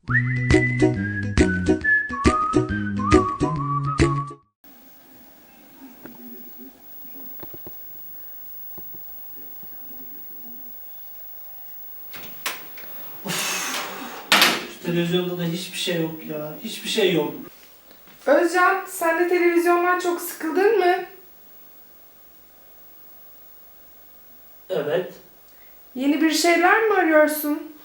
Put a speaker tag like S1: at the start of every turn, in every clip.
S1: Televizyonda da hiçbir şey yok ya. Hiçbir şey yok.
S2: Özcan, sen de televizyondan çok sıkıldın mı?
S1: Evet.
S2: Yeni bir şeyler mi arıyorsun?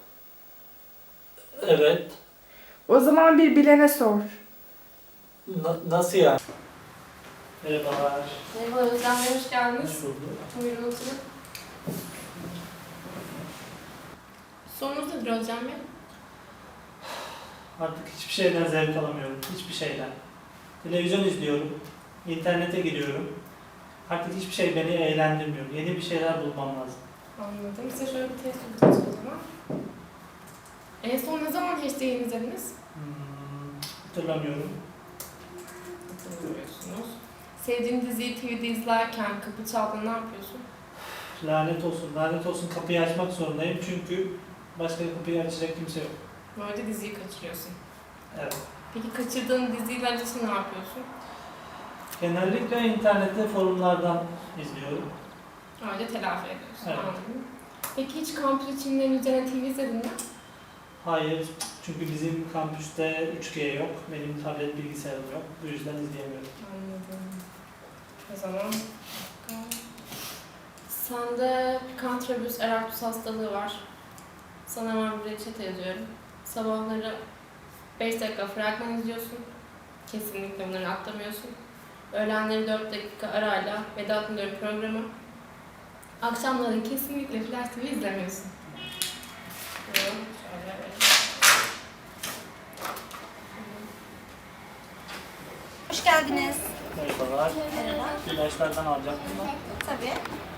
S1: Evet.
S2: O zaman bir bilene sor.
S1: Nasıl yani? Merhabalar.
S3: Merhaba Özlem Bey, hoş geldiniz.
S1: Hoş bulduk.
S3: Buyurun oturun. Sorunuz nedir Özlem Bey?
S1: Artık hiçbir şeyden zevk alamıyorum. Hiçbir şeyden. Televizyon izliyorum. İnternete giriyorum. Artık hiçbir şey beni eğlendirmiyor. Yeni bir şeyler bulmam lazım.
S3: Anladım. Size şöyle bir test yapacağız o zaman. En son ne zaman HD'yi izlediniz?
S1: Hatırlamıyorum.
S3: Hatırlamıyorsunuz. Sevdiğin diziyi TV'de izlerken kapı çaldığında ne yapıyorsun?
S1: Lanet olsun. Lanet olsun, kapıyı açmak zorundayım. Çünkü başka kapıyı açacak kimse yok.
S3: Böyle diziyi kaçırıyorsun.
S1: Evet.
S3: Peki kaçırdığın diziler için ne yapıyorsun?
S1: Genellikle internette forumlardan izliyorum.
S3: Öyle telafi ediyorsun.
S1: Evet.
S3: Anladım. Peki hiç kampüs içinden üzerine TV izledin mi?
S1: Hayır. Çünkü bizim kampüste 3G yok. Benim tablet bilgisayarım yok. Bu yüzden izleyemiyorum.
S3: Anladım. O zaman sende Kantrobüs Erasmus hastalığı var. Sana hemen bir reçete yazıyorum. Sabahları 5 dakika fragman izliyorsun. Kesinlikle bunları atlamıyorsun. Öğlenleri 4 dakika arayla Vedat Milor'un programı. Akşamları kesinlikle Flash TV izlemiyorsun. Şöyle verelim.
S4: Hoş geldiniz.
S1: Merhabalar.
S4: Merhaba.
S1: İlaçlardan alacağım.
S4: Tabii.